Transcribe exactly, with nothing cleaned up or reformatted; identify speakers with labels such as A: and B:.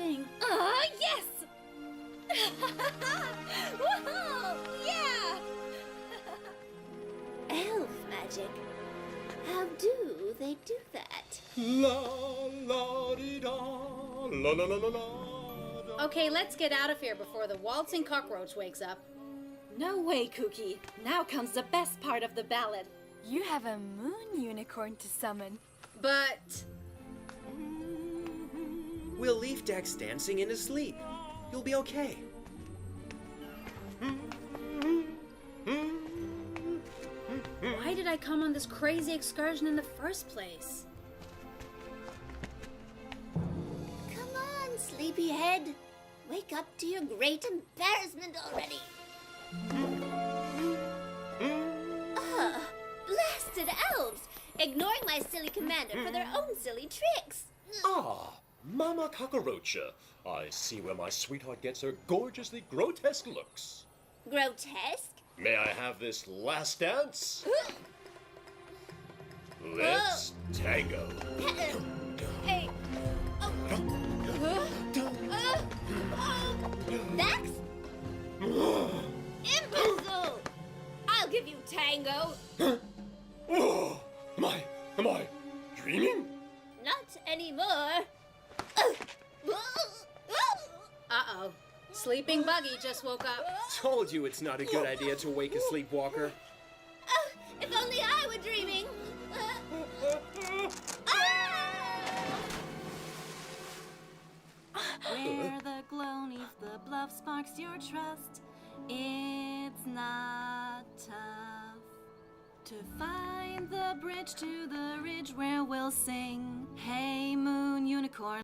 A: sing.
B: Ah, yes! Woohoo! Yeah! Elf magic. How do they do that?
C: La la dee da, la la la la la. Da.
A: Okay, let's get out of here before the waltzing cockroach wakes up.
D: No way, Kooky. Now comes the best part of the ballad.
E: You have a moon unicorn to summon.
A: But
F: We'll leave Dex dancing in his sleep. You'll be okay.
A: why did I come on this crazy excursion in the first place?
B: Come on, sleepyhead. Wake up to your great embarrassment already. Ah, blasted elves! Ignoring my silly commander for their own silly tricks.
C: Ah, Mama Cockroacha. I see where my sweetheart gets her gorgeously grotesque looks.
B: Grotesque?
C: May I have this last dance? Let's tango.
B: Hey. Oh. Uh, oh. Vex? Imbecile! I'll give you tango.
C: Oh, am I, am I dreaming?
B: Not anymore.
A: Uh-oh. Sleeping Buggy just woke up.
F: Told you it's not a good idea to wake a sleepwalker.
B: Uh, if only I were dreaming.
D: Where the glow neath the bluff sparks your trust. It's not tough to find the bridge to the ridge where we'll sing. Hey, moon unicorn.